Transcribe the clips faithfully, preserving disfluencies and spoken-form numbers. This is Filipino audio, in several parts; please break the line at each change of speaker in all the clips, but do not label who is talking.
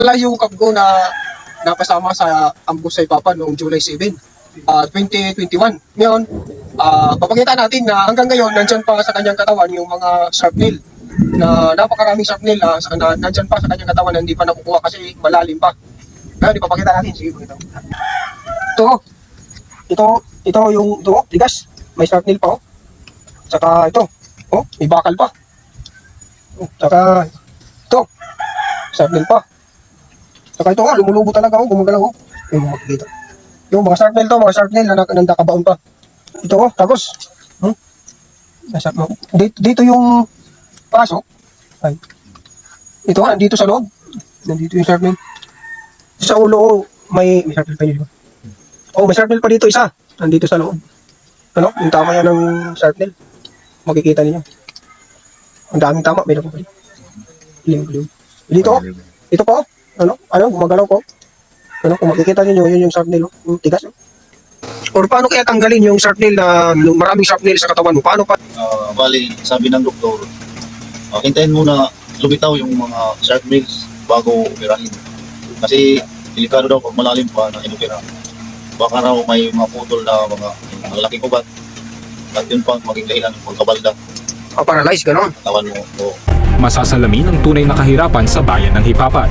Wala yung kapgo na napasama sa ambush sa Ipapa noong July seven, uh, twenty twenty-one. Ngayon, uh, papakita natin na hanggang ngayon, nandyan pa sa kanyang katawan yung mga shrapnel na napakaraming shrapnel uh, na nandyan pa sa kanyang katawan na hindi pa nakukuha kasi malalim pa. Ngayon, ipapakita natin. Sige, pakita mo. Ito, ito, ito yung, ito, tigas. May shrapnel pa, oh. Tsaka ito, oh, may bakal pa. Oh, tsaka ito, shrapnel pa. Saka ito nga, lumulubo talaga ako, gumagalaw ako. Yung makikita. Yung mga sharpnail to, mga sharpnail na nandakabaon pa. Ito ko, tapos. Hmm? Nasa, dito, dito yung pasok. Ay. Ito nga, dito sa loob. Nandito yung sharpnail. Sa ulo, may, may sharpnail pa yun. Oh, may sharpnail pa dito isa. Nandito sa loob. Ano? Yung tama yan ng sharpnail. Makikita niyo. Ang daming tama, may naman pa rin. Dito ko. Ito po. Ano? Ano? Gumagalaw ko. Ano? Kung makikita niyo yun yung sharpnail. Oh. Yung tigas. Oh. Or paano kaya tanggalin yung sharpnail na maraming sharpnail sa katawan mo? Paano pa?
Uh, bali, sabi ng doktor, uh, hintayin muna lumitaw yung mga sharpnails bago operahin. Kasi delikado daw pag malalim pa na inopera. Baka raw may mga putol na mga malaking ugat. At yun pa maging dahilan ng pagkabalda.
Oh, paralyze, gano'n.
Tawan mo. Oh.
Masasalamin ang tunay na kahirapan sa bayan ng Hipapan.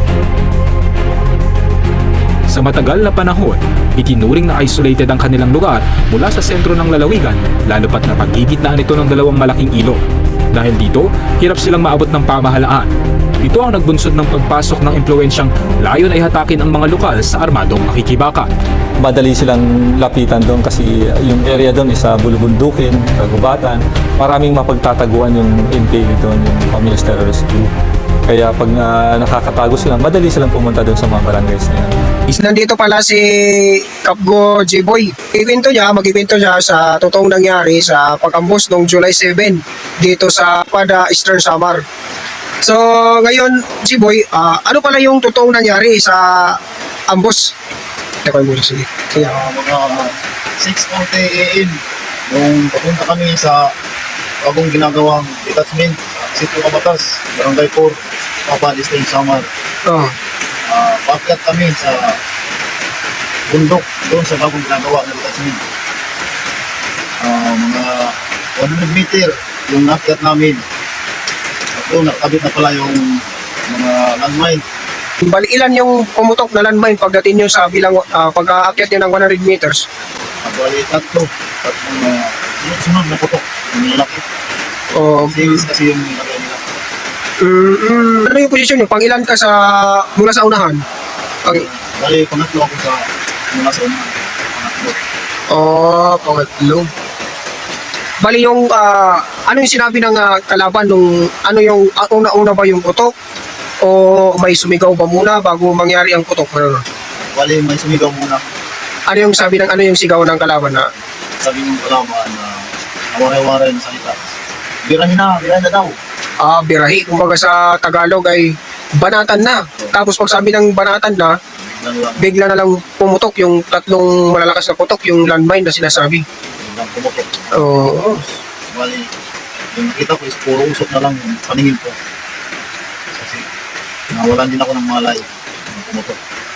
Sa matagal na panahon, itinuring na isolated ang kanilang lugar mula sa sentro ng lalawigan, lalo pat na paggigitnaan ito ng dalawang malaking ilog. Dahil dito, hirap silang maabot ng pamahalaan. Ito ang nagbunsod ng pagpasok ng impluensyang layon ay hatakin ang mga lokal sa armadong makikibaka.
Madali silang lapitan doon kasi yung area doon is sa bulubundukin, kagubatan. Maraming mapagtataguan yung N P A doon, yung Communist Terrorist Group. Kaya pag uh, nakakatago sila, madali silang pumunta doon sa mga barangays na yan.
Nandito pala si Kapgo J-Boy. Ikwento niya, mag-ikwento siya sa totoong nangyari sa pag-ambos noong July seven dito sa Pada, Eastern Samar. So, ngayon, J-Boy, uh, ano pala yung totoong nangyari sa ambos? Teka muna, sige. Sige.
Uh, mga six forty A M nung papunta kami sa bagong ginagawang detachment, Sitio Kabatas, Barangay four, Papa, Eastern Samar.
Oh.
Uh, paakyat kami sa bundok doon sa bagong ginagawa na detachment. Uh, mga one hundred meter yung naakyat namin. At doon nakabit na pala yung mga landmine.
Bali, ilan yung pumutok na landmine pagdating nyo sa bilang uh, pag-aakyat nyo ng one hundred meters?
At bali, tatlo. Tatlong uh, sunod-sunod na putok. Yung lalaki.
Oh,
Series kasi yung nilagay nila.
mm, mm, ano yung posisyon nyo? Pang ilan ka sa mula sa unahan? Okay.
Bali, pangatlo ako sa mula sa unahan. Pangatlo.
Oh, pangatlo. Bali yung uh, ano yung sinabi ng uh, kalaban nung ano yung uh, una-una ba yung putok o may sumigaw ba muna bago mangyari ang putok? Ano?
Bali, may sumigaw muna.
Ano yung sabi ng ano yung sigaw ng kalaban na?
Sabi ng kalaban na nawaray-waray na salita. Birahin na, birahin na daw.
Ah, birahi. Kumbaga sa Tagalog ay banatan na. Tapos pag sabi ng banatan na,
Biglang lang,
bigla na lang pumutok yung tatlong malalakas na putok, yung landmine na sinasabi.
biglang pumutok.
Oo.
Bali, yung nakita ko is puro usok na lang yung paningin ko. Kasi nawalan din ako ng malay. Yung pumutok.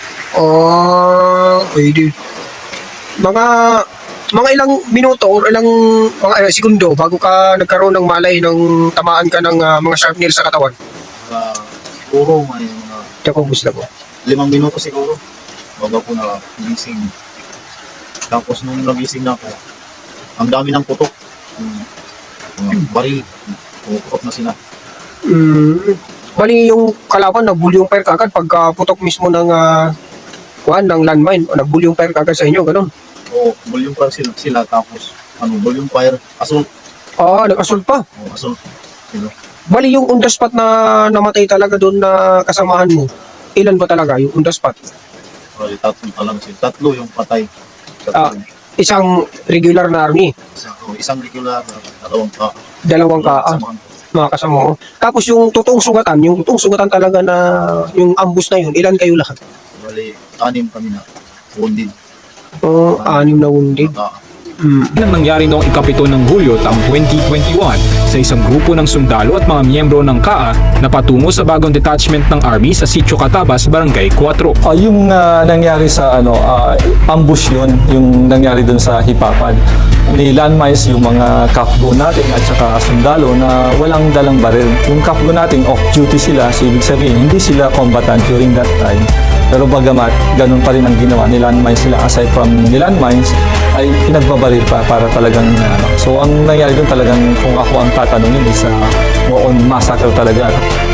Oh, pwede. Mga mga ilang minuto or ilang mga eh, segundo bago ka nagkaroon ng malay ng tamaan ka ng uh, mga sharp nails sa katawan.
Uh, siguro may mga
Tsaka gusto ko.
limang minuto siguro. Bago ko na gising. Tapos nung nagising na ako, ang dami ng putok. Yung mga baril. Pumutok na sila.
Mm. Bali yung kalaban nagbuli yung fire kagad pagka putok mismo ng uh, kuhan ng landmine o nagbuli yung fire kagad sa inyo, ganun.
O volume fire sila, sila tapos ano, volume fire, assault.
Ah, nag-assault pa.
O assault. Sila.
Bali yung on the spot na namatay talaga doon na kasamahan mo. Ilan ba talaga yung on the spot?
Bali, tatlo pa lang sila. Tatlo yung patay.
Ah.
Tatlo.
Isang regular na army,
Isang, o, isang regular, dalawang ka.
dalawang kaa,
Samahan ko.
mga kasama mo. Tapos yung totoong sugatan, yung totoong sugatan talaga na yung ambush na yun, ilan kayo lahat?
Bali, anim kami na. Wounded.
Oh, anim na wounded.
Ah,
Mm.
Nang nangyari noong ikapito ng Hulyo taong twenty twenty-one sa isang grupo ng sundalo at mga miyembro ng K A A na patungo sa bagong detachment ng Army sa Sitio Catabas, Barangay four.
Ah, yung ah, nangyari sa ano, ah, ambush yun, yung nangyari dun sa Hipapan. Ni landmines yung mga kapgo natin at saka sundalo na walang dalang baril. Yung kapgo natin off-duty sila, so ibig sabihin hindi sila combatant during that time. Pero bagamat ganun pa rin ang ginawa ni landmines sila, aside from ni landmines ay pinagbabaril pa para talagang ano. So ang nangyari dun talagang kung ako ang tatanungin is uh, more on massacre talaga.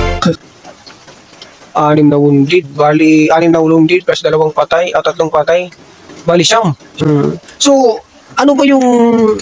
Anim na wounded. Bali, anim na wounded plus dalawang patay at tatlong patay. Bali siyam. Mm. So, ano ba yung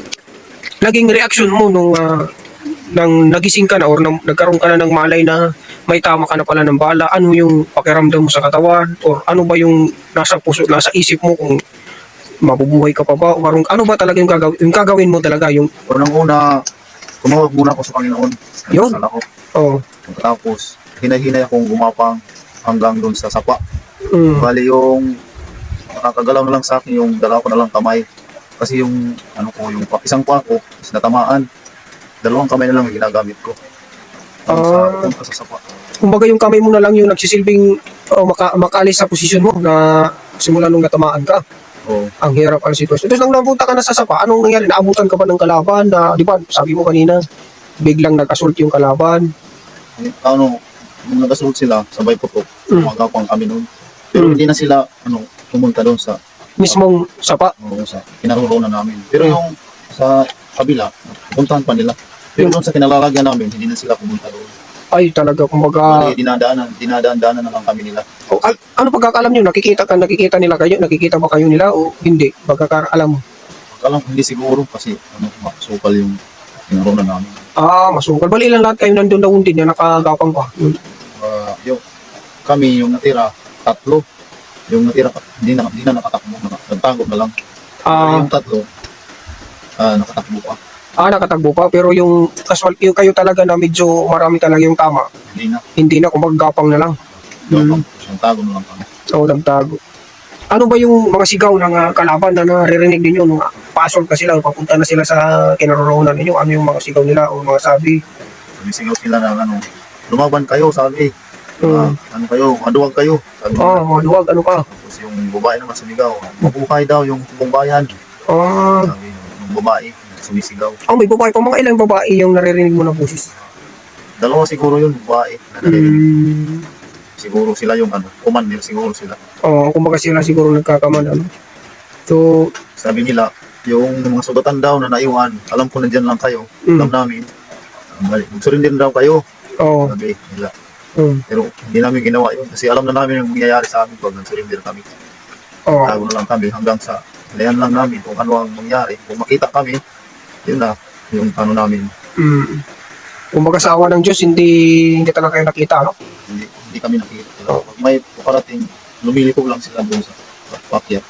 naging reaction mo nung ah, nang nagising ka na or nang, nagkaroon ka na ng malay na may tama ka na pala ng bala? Ano yung pakiramdam mo sa katawan? Or ano ba yung nasa puso, nasa isip mo kung mabubuhay ka pa ba? O parang ano ba talaga yung gagawin, yung gagawin mo talaga? Yung,
Unang-una, tumawag muna ako sa Panginoon.
Yun.
Nagdasal ako.
oh,
Tapos, hinay-hinay akong gumapang hanggang doon sa sapa.
mm,
Bali yung nakakagalaw na lang sa akin yung dalawa ko na lang kamay. Kasi yung ano ko, yung pa- isang pa ko is natamaan. Dalawang kamay na lang yung ginagamit ko. Doon sa,
Ah.
doon sa sapa.
kumbaga yung kamay mo na lang yung nagsisilbing oh, maka, makaalis sa posisyon mo na simula nung natamaan ka.
Oo.
Ang hirap ang sitwasyon. Tapos nang napunta ka na sa sapa, anong nangyari? Naabutan ka ba ng kalaban na, di ba, sabi mo kanina, biglang nag-assault yung kalaban.
Ano, nung nagasunod sila, sabay putok,
Mm.
umagapang kami noon. Pero
Mm.
hindi na sila, ano, pumunta doon sa,
Mismong sapa.
oo, sa kinaroroonan namin. Pero
Mm.
yung sa kabila, puntahan pa nila. Pero
Yung-
doon sa kinalalagyan namin, hindi na sila pumunta doon.
Ay, talaga, kumbaga,
Bali, dinadaanan, dinadaan-daanan na lang kami nila.
oh, al- ano pagkakalam nyo? Nakikita ka, nakikita nila kayo? Nakikita ba kayo nila o hindi? Pagkakaalam mo.
Alam ko hindi siguro kasi ano, makasukal yung kinaroonan namin.
Ah, masukal. Bali, ilan lahat kayo nandun na wounded na nakagapang pa? Yun.
Uh, yung, kami, yung natira, tatlo. Yung natira, hindi na, hindi na nakatakbo, naka- nagtago na lang.
Ah,
yung tatlo, ah, nakatakbo pa.
ah, nakatagbo pa. Pero yung casual, yung kayo talaga na medyo marami talaga yung tama.
Hindi na.
Hindi na, kumbaga gapang na lang.
Mm. Yung tago na lang kami.
Oo, nagtago. Ano ba yung mga sigaw ng ah, kalaban na naririnig ninyo nung ah, pasok ka sila, papunta na sila sa kinaroroonan ninyo? Ano yung mga sigaw nila o mga sabi?
Sumisigaw sila ng ano, lumaban kayo, sabi.
Hmm.
Ah, ano kayo, maduwag kayo. Sabi
Oh,
nila.
mga duwag, ano pa?
Tapos yung babae naman sumigaw, mabuhay daw yung buong bayan.
Ah,
Sabi yung babae, sumisigaw.
oh, may babae pa. Mga ilang babae yung naririnig mo na boses?
Dalawa siguro yun, babae. Na narinig.
Hmm.
Siguro sila yung ano, commander, siguro sila.
Oh, kumbaga sila siguro nagkakaman. Ano? So,
Sabi nila, yung mga sugatan daw na naiwan, alam ko nandyan lang kayo,
Mm.
alam namin. Magsurrender daw kayo,
oh,
sabi nila.
hmm.
Pero hindi namin ginawa yun kasi alam na namin yung mangyayari sa amin pag nag-surrender kami.
Oh,
Tago na lang kami hanggang sa layan lang namin kung ano ang mangyari. Kung makita kami, yun na, yung ano namin,
hmm. Kumbaga sa awa ng Diyos, hindi, hindi talaga kayo nakita, no?
hindi, hindi kami nakikita. Pag may parating, lumilipog lang sila doon sa pakyat.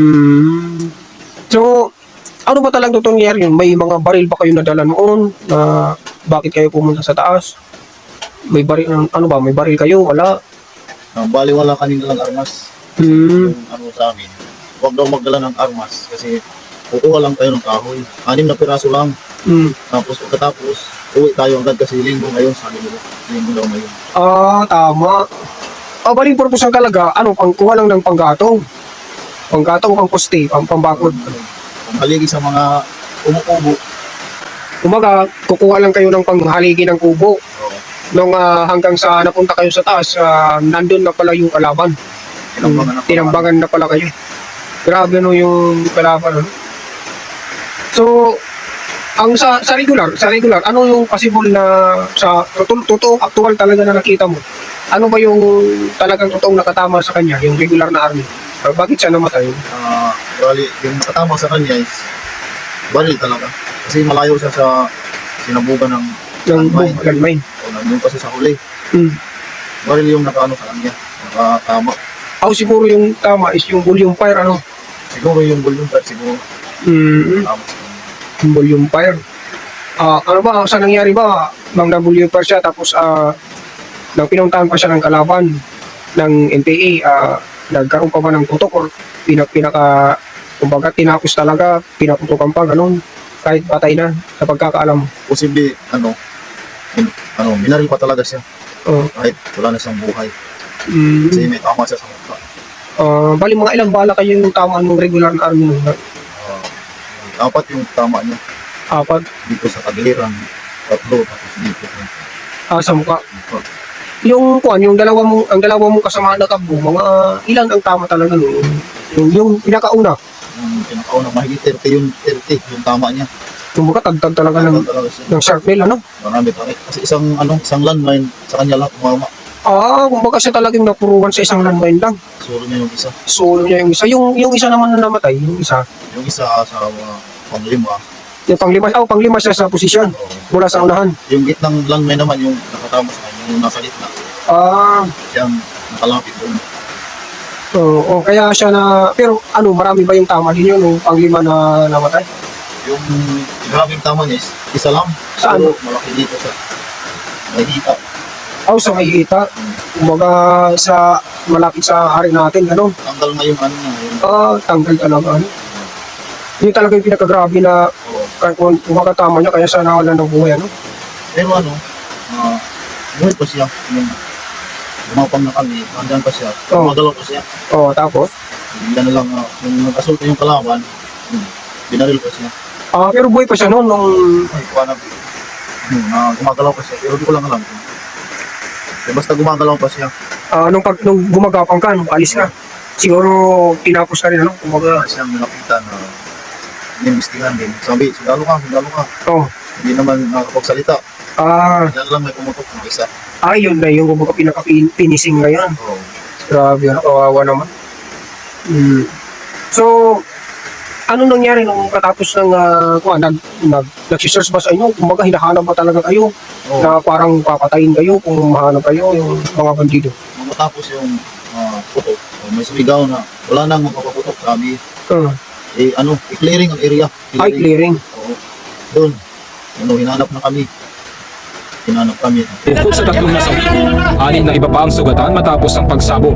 Hmm. So, ano ba talagang totoong nangyari yun? May mga baril ba kayo nadala noon? Na bakit kayo pumunta sa taas? May baril, ano ba? May baril kayo? Wala?
Uh, bali wala kaming dalang armas.
Hmm.
Yung ano sa amin, huwag daw magdala ng armas kasi kukuha lang tayo ng kahoy. Anim na piraso lang.
Hmm.
Tapos pagkatapos, uwi tayo agad kasi linggo ngayon, sabi nila. Linggo daw ngayon.
Ah, tama. Ah, baling purpose ang talaga, ano, pangkuha lang ng panggatong. Panggatong, pangposte, pang pambakod.
Ano, kung haligi sa mga umukubo,
Kumbaga, kukuha lang kayo ng panghaligi ng kubo.
so,
Nung ah, hanggang sa napunta kayo sa taas, ah, nandun na pala yung kalaban.
tinambangan na pala.
Tinambangan na pala kayo. Grabe no yung kalaban. Ano? So, ang sa, sa regular, sa regular, ano yung possible na sa totoo, totoo actual talaga na nakita mo? Ano ba yung talagang totoong nakatama sa kanya, yung regular na army? Uh, bakit siya namatay?
Ah, bali, yung nakatama sa kanya is baril talaga. Kasi malayo siya sa sinabugan ng
Yung
landmine.
boom, landmine.
O nandun kasi sa huli.
Hmm.
Baril yung nakaano sa kanya. Nakatama.
Ako siguro yung tama is yung volume fire, ano?
Siguro yung volume part siguro.
Mm,
Tama sa kanya.
yung volume fire. Ah, ano ba, sa nangyari ba, mang na-volume fire siya, tapos ah, nang pinuntahan pa siya ng kalaban ng N P A, ah, nagkaroon pa ba ng putok or pinak pinaka Kumbaga, tinapos talaga, pinaputukan pa, ganun. Kahit patay na, sa pagkakaalam.
Posible, ano, in, ano, binaril pa talaga siya.
Oh.
Kahit wala na siyang buhay.
Mm.
Kasi may tama siya sa mukha.
Ah, bali, mga ilang bala kayo yung tama ng regular na army?
Uh, dapat yung tama niya
Apat.
dito sa kagiliran. Tatlo, tapos dito.
Ah, sa mukha.
Uh,
Yung kuan, yung dalawa mong ang dalawa mong kasama na takbo, mga ilan ang tama talaga no? Yung yung pinakauna,
yung pinakauna, mahigit thirty yung thirty, yung tama niya.
kumbaga tagtag talaga ng
Talaga siya.
ng sharpnail ano?
Marami pa. Kasi isang, ano, isang landmine sa kanya lang, umama.
Ah, kumbaga siya talagang napuruan sa isang landmine lang.
Suro niya yung isa.
Solo niya yung isa. Yung yung isa naman na namatay, yung isa.
Yung isa sa mga panglima.
Yung panglima, oh, panglima siya sa posisyon
Oo.
mula sa unahan.
Yung gitnang landmine naman, yung nakatama sa kanya, yung nasa gitna.
Ah,
Siyang nakalapit doon.
oo, oh, kaya siya na, pero ano, marami ba yung tama din yun, yung panglima na namatay?
Yung grabing tama niya is isa lang.
Saan?
Pero malaki dito sa may hita.
Oh, sa may ita, kumbaga sa, malapit sa hari natin, gano'n.
Tanggal na yung ano niya. Yung,
Ah, tanggal talaga, ano. Yun talaga yung pinakagrabe na
oo.
kung, kung makatama niya, kaya siya nawalan ng buhay, ano?
Pero ano, uh, buhay pa siya. Yung umapang na kami, andyan pa siya.
Oo.
Magalaw pa siya.
Oo, tapos?
Bigla na lang, uh, nung nag-assault yung kalaban, hmm, binaril pa siya.
Ah, pero buhay pa siya noon, nung,
Ay, kuha na. Hmm, uh, gumagalaw pa siya. Pero di ko lang alam. Eh, basta gumagalaw pa siya.
ah, nung, pag, nung gumagapang ka, nung alis ka, siguro tinapos ka rin, ano?
Kumbaga,
Kumbaga,
siyang nilapitan na inimbestigahan din. Sabi, sundalo ka, sundalo ka.
oh,
Hindi naman nakakapagsalita.
ah,
Yan lang may pumutok ng isa.
ah, yun na yung kumbaga pinaka-finishing ngayon.
So,
Grabe, ano, kawawa naman. Hmm. So, ano nangyari nung katapos ng, uh, kuha, nag, nag, nag-search ba sa inyo? Kumbaga, hinahanap ba talaga kayo?
oh,
Na parang papatayin kayo kung mahanap kayo, yung mga bandido.
matapos yung uh, putok, oh, may sumigaw na wala nang magpapaputok. Sabi,
Uh,
eh, ano, i-clearing ang area.
ay, clearing.
Oo. Doon, ano, hinanap na kami. Hinanap kami.
Bukod sa tatlong nasawi, anim na iba pa ang sugatan matapos ang pagsabog.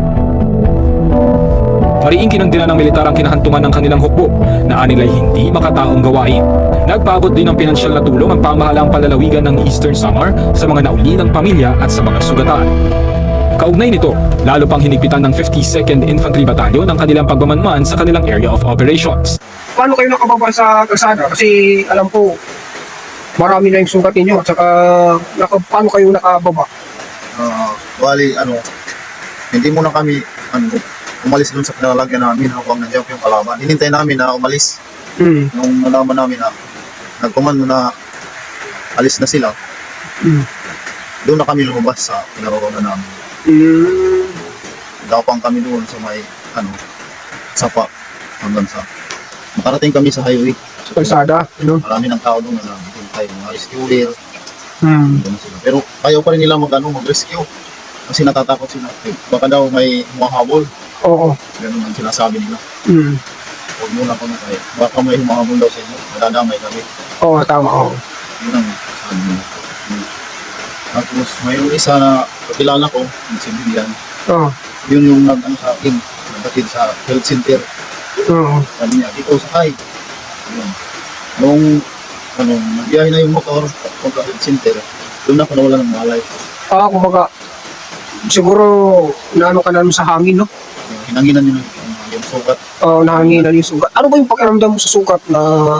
Mariing kinandila ng militar ang kinahantungan ng kanilang hukbo na anilay hindi makataong gawain. Nagpaabot din ng pinansyal na tulong ang pamahalaang palalawigan ng Eastern Samar sa mga naulilang pamilya at sa mga sugatan. Kaugnay nito, lalo pang hinigpitan ng fifty-second Infantry Battalion ang kanilang pagmamanman sa kanilang area of operations.
Paano kayo nakababa sa kalsada? Kasi alam ko, marami na yung sugat ninyo. At saka, naka, paano kayo nakababa?
Uh, bali, ano, hindi muna kami, ano, umalis doon sa pinalalagyan namin habang nandiyan yung kalaban. Hinintay namin na umalis.
Hmm.
Nung nalaman namin na nagkomando na alis na sila,
Hmm.
doon na kami lumabas sa pinaroroonan namin.
Hmm.
Dapang kami doon sa may, ano, sapa hanggang sa makarating kami sa highway.
Sa kalsada, ano?
Marami ng tao doon na naghihintay, mga rescuer,
Hmm.
doon na sila. Pero ayaw pa rin nila mag, ano, mag-rescue kasi natatakot sila. Eh, baka daw may humahabol.
Oo.
Ganun ang sinasabi nila.
Hmm.
Huwag muna kami tayo. Baka may humahabol daw sa inyo. Madadamay kami.
Oo, tama. Oo.
Yun ang sabi nila. Hmm. Tapos mayroong isa na kakilala ko, yung civilian.
Oo.
Yun yung nag-ano sa akin, nagbatid sa health center.
Oo.
Sabi niya, dito sakay. Yun. Nung ano, nagbiyahe na yung motor, pagka health center, doon na ako nawala ng malay.
Ah, kumbaga, siguro, naano ka na sa hangin, no?
Hinanginan yun yung, yung sugat.
Uh, nahanginan yung sugat. Ano ba yung pakiramdam mo sa sugat na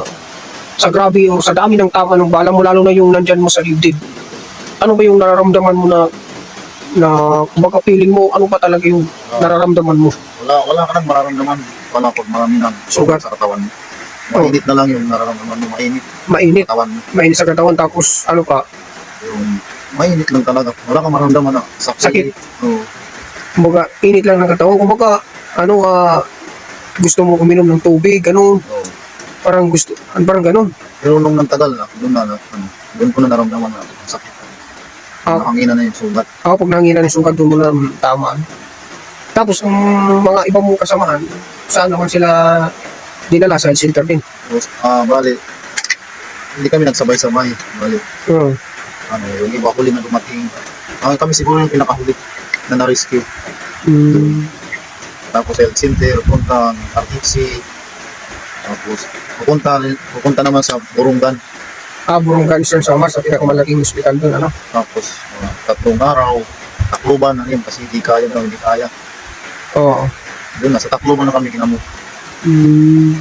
sa grabe o sa dami ng tama ng bala mo, lalo na yung nandyan mo sa dibdib? Ano ba yung nararamdaman mo na na kumbaga feeling mo, ano ba talaga yung nararamdaman mo?
Wala, wala ka nang mararamdaman. Wala pag marami ng
Sugat.
sugat sa katawan mo. Mainit na lang yung nararamdaman mo. Mainit
Mainit.
katawan mo.
Mainit sa katawan, tapos ano pa,
Yung mainit lang talaga. Wala kang maramdaman na sakit.
Sakit.
Oo.
kumbaga, init lang ng katawan. Kumbaga, ano, ah, gusto mo uminom ng tubig, ano,
Oo.
parang gusto, parang ganun.
Pero nung nagtagal na, doon na, na ano, doon ko na naramdaman na ang sakit.
Ah.
Nakangina na yung sugat.
Ako pag nanginan ng sugat, doon mo na mm, tama. Tapos, ang mga iba mong kasamahan, saan naman sila dinala sa health center din?
Tapos, ah, bali, hindi kami nagsabay-sabay. Bali,
Uh,
ano, yung iba huli na dumating. Ah, kami siguro yung pinakahuli na na-rescue.
mm,
Tapos health center, punta ng R T C, Tapos, pupunta, pupunta naman sa Burungan.
Ah, Burungan Eastern Samar sa pinakamalaking hospital doon, ano?
Tapos, mga tatlong araw, Tacloban na rin kasi hindi kaya daw, hindi kaya.
Oo.
Doon, nasa Tacloban na kami kinamo.
Mm,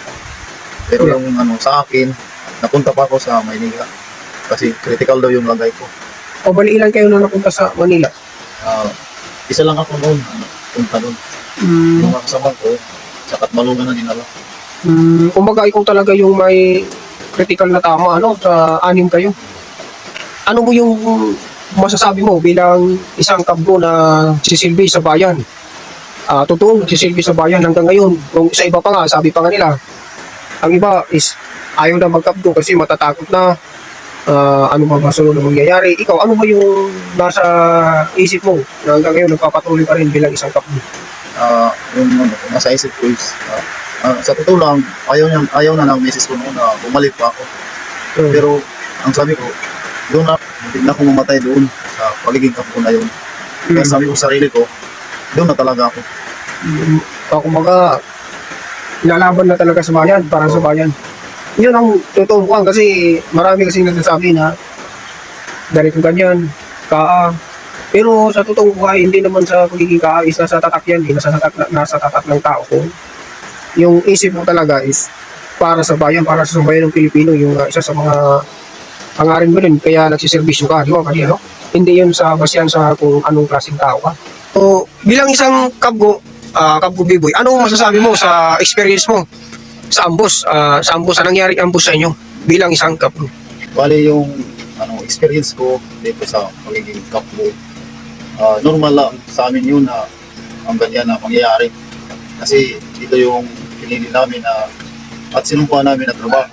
Pero
Yeah.
yung ano, sa akin, napunta pa ako sa Maynila. Kasi critical daw yung lagay ko.
o bali ilan kayo na napunta sa Manila?
Ah, isa lang ako noon, ano, punta doon.
Mm,
Yung mga kasama ko, sa Katmalungan na dinala.
mm, kumbaga ikaw talaga yung may critical na tama, ano, sa anim kayo. Ano mo yung masasabi mo bilang isang kabgo na sisilbi sa bayan? Ah, totoong sisilbi sa bayan hanggang ngayon. Kung sa iba pa nga, sabi pa nga nila, ang iba is ayaw na magkabgo kasi matatakot na ah, ano ba masunod na mangyayari. Ikaw, ano ba yung nasa isip mo na hanggang ngayon nagpapatuloy pa rin bilang isang kabgo?
Ah, yung ano, nasa isip ko is, ah, ah, sa totoo lang, ayaw, niya, ayaw na ng misis ko noon na bumalik pa ako.
Hmm.
Pero, ang sabi ko, doon na, hindi na ako mamatay doon sa pagiging kapko na yun. Kaya sabi ko sa sarili ko, doon na talaga ako.
Mm, uh, kumbaga, lalaban na talaga sa bayan, para sa bayan. Yun ang totoong buwan kasi marami kasing nagsasabi na ganito ganyan, kaa. Pero sa totoong buhay, hindi naman sa pagiging kaa is nasa tatak yan, eh, nasa tatak, nasa tatak ng tao ko. Yung isip mo talaga is para sa bayan, para sa bayan ng Pilipino, yung uh, isa sa mga pangarin mo rin, kaya nagsiservisyo ka, di ba? Kasi, ano? Hindi yun sa basyan sa kung anong klaseng tao ka. So, bilang isang kabgo, ah kabgo B-boy, anong masasabi mo sa experience mo sa ambos, ah, sa ambos, sa nangyaring ambos sa inyo bilang isang kabgo?
Bali yung ano, experience ko dito sa pagiging kapko, ah, normal lang sa amin yun na ang ganyan na mangyayari. Kasi dito yung pinili namin na at sinumpa namin na trabaho.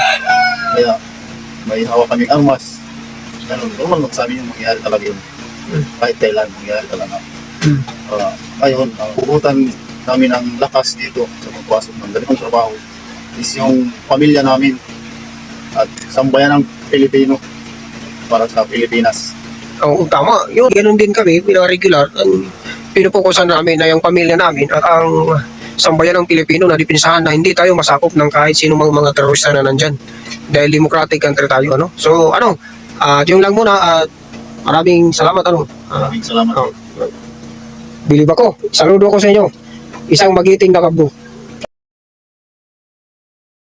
Kaya may hawak kaming armas. Ganun, normal lang sa amin yung mangyayari talaga yun. Kahit kailan mangyayari talaga.
Hmm.
Uh, ngayon, ang puputan namin ng lakas dito sa pagpasok ng ganitong trabaho is yung pamilya namin at sambayan ng Pilipino para sa Pilipinas.
Oo, tama. Yun, ganun din kami, bilang regular, ang pinupukusan namin na yung pamilya namin at ang sambayan ng Pilipino na dipinsahan na hindi tayo masakop ng kahit sino mga mga terorista na nandyan. Dahil democratic country tayo, ano? So, ano, at yung lang muna, at maraming salamat, ano? Ah,
Maraming salamat.
oh. Bilib ako. Saludo ko sa inyo. Isang magiting na kabgo.